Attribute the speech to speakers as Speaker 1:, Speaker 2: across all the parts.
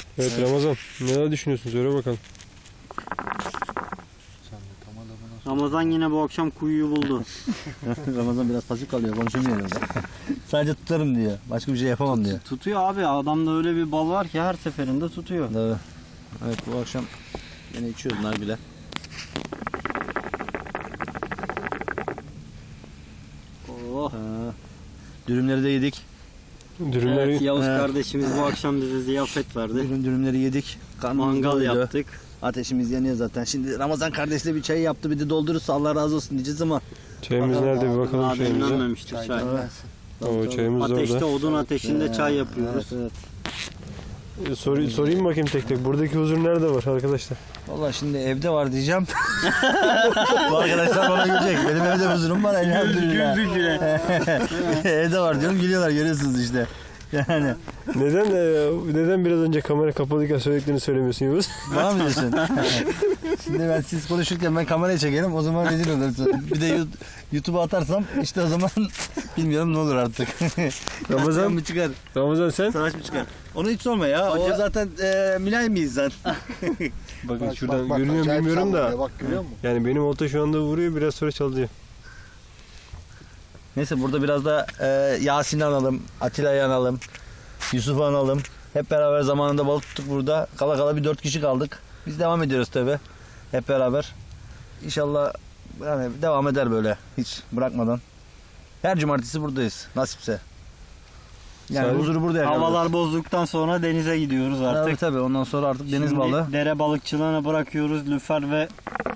Speaker 1: Evet Ramazan, neler düşünüyorsun? Söyle bakalım.
Speaker 2: Ramazan yine bu akşam kuyuyu buldu.
Speaker 3: Ramazan biraz pasif kalıyor, konuşamıyor orada. Sadece tutarım diyor. Başka bir şey yapamam diyor.
Speaker 2: Tutuyor abi. Adamda öyle bir bal var ki her seferinde tutuyor.
Speaker 3: Evet. Evet, bu akşam yine içiyoruz nargile.
Speaker 2: Oh.
Speaker 3: Dürümleri de yedik.
Speaker 1: Dürümleri
Speaker 2: Evet, Yavuz kardeşimiz bu akşam bize ziyafet verdi.
Speaker 3: Dürümleri yedik. Karnımız
Speaker 2: Mangal
Speaker 3: doydu.
Speaker 2: yaptık.
Speaker 3: Ateşimiz yanıyor zaten. Şimdi Ramazan kardeşle bir çay yaptı, bir de doldurursa Allah razı olsun diyeceğiz ama.
Speaker 1: çayımız nerede bir bakalım
Speaker 2: Daha
Speaker 1: çayımıza.
Speaker 2: demlenmemiştir çay.
Speaker 3: Evet.
Speaker 1: O çayımız da
Speaker 2: Ateşte,
Speaker 1: orada.
Speaker 2: odun ateşinde çay yapıyoruz.
Speaker 3: Evet, evet.
Speaker 1: Sorayım bakayım tek tek. Buradaki huzur nerede var arkadaşlar?
Speaker 3: Vallahi şimdi evde var diyeceğim. Bu arkadaşlar bana gülecek. Benim evde huzurum var elhamdülillah.
Speaker 2: Güldük bile.
Speaker 3: Evde var diyorum, gülüyorlar, görüyorsunuz işte. Yani.
Speaker 1: Neden biraz önce kamera kapalıyken söylediklerini söylemiyorsun Yavuz?
Speaker 3: Bana mı diyorsun? Şimdi ben siz konuşurken ben kameraya çekerim, o zaman rezil olursun. Bir de YouTube'a atarsam işte o zaman bilmiyorum ne olur artık.
Speaker 1: Ramazan
Speaker 3: mı çıkar?
Speaker 1: Ramazan sen?
Speaker 3: Savaş mı çıkar? Onu hiç sorma ya. O zaten mülayim bir insan.
Speaker 1: Bakın şuradan görünüyor mu bilmiyorum da.
Speaker 4: Bak görüyor musun?
Speaker 1: Yani benim olta şu anda vuruyor, biraz sonra çalacak.
Speaker 3: Neyse burada biraz da Yasin'i analım, Atilla'yı analım, Yusuf'u analım. Hep beraber zamanında balık tuttuk burada. Kala kala bir 4 kişi kaldık. Biz devam ediyoruz tabi. Hep beraber. İnşallah yani devam eder böyle hiç bırakmadan. Her cumartesi buradayız nasipse. Yani
Speaker 1: Salim,
Speaker 3: huzuru burada yakalıyoruz.
Speaker 2: Havalar bozduktan sonra denize gidiyoruz artık.
Speaker 3: Tabii ondan sonra artık deniz
Speaker 2: Şimdi
Speaker 3: balığı.
Speaker 2: dere balıkçılığına bırakıyoruz. Lüfer ve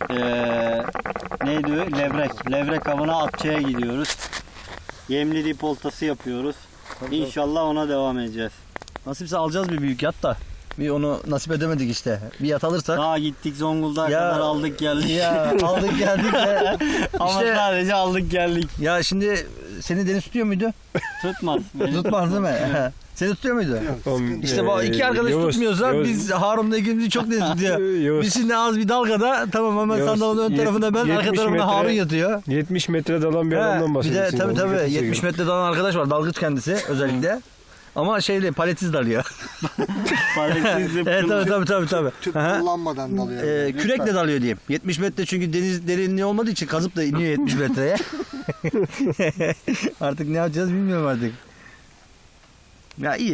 Speaker 2: neydi o? Levrek. Levrek avına Atça'ya gidiyoruz. Yemli dip oltası yapıyoruz. İnşallah ona devam edeceğiz.
Speaker 3: Nasipse alacağız bir büyük yat da. Bir onu nasip edemedik işte. Bir yat alırsak.
Speaker 2: Daha gittik Zonguldak'a
Speaker 3: Ya-
Speaker 2: kadar aldık geldik.
Speaker 3: Ya aldık geldik de.
Speaker 2: Ama
Speaker 3: İşte-
Speaker 2: sadece aldık geldik.
Speaker 3: Ya şimdi seni deniz tutuyor muydu?
Speaker 2: Tutmaz. Beni
Speaker 3: Tutmaz değil mi? Seni tutuyor muydu? İşte bu iki arkadaş
Speaker 1: Yavuz,
Speaker 3: tutmuyorsa
Speaker 1: Yavuz.
Speaker 3: biz Harun'la ikimizi çok deniz tutuyor.
Speaker 1: Yavuz.
Speaker 3: Biz şimdi az bir dalgada tamam hemen
Speaker 1: Yavuz,
Speaker 3: sandalın ön tarafında ben,
Speaker 1: 70
Speaker 3: arka tarafında
Speaker 1: metre-
Speaker 3: Harun yatıyor.
Speaker 1: 70 metre dalan bir
Speaker 3: He,
Speaker 1: adamdan
Speaker 3: bir de
Speaker 1: bahsediyorsun.
Speaker 3: tabii 70 metre dalan arkadaş var, dalgıç kendisi özellikle. Ama şeyle paletsiz dalıyor.
Speaker 2: Parasız
Speaker 3: Evet tabii.
Speaker 4: Tüp
Speaker 3: Aha.
Speaker 4: kullanmadan dalıyor.
Speaker 3: Kürekle dalıyor diyeyim. 70 metre çünkü deniz derinliği olmadığı için kazıp da iniyor 70 metreye. Artık ne yapacağız bilmiyorum artık. Ya iyi.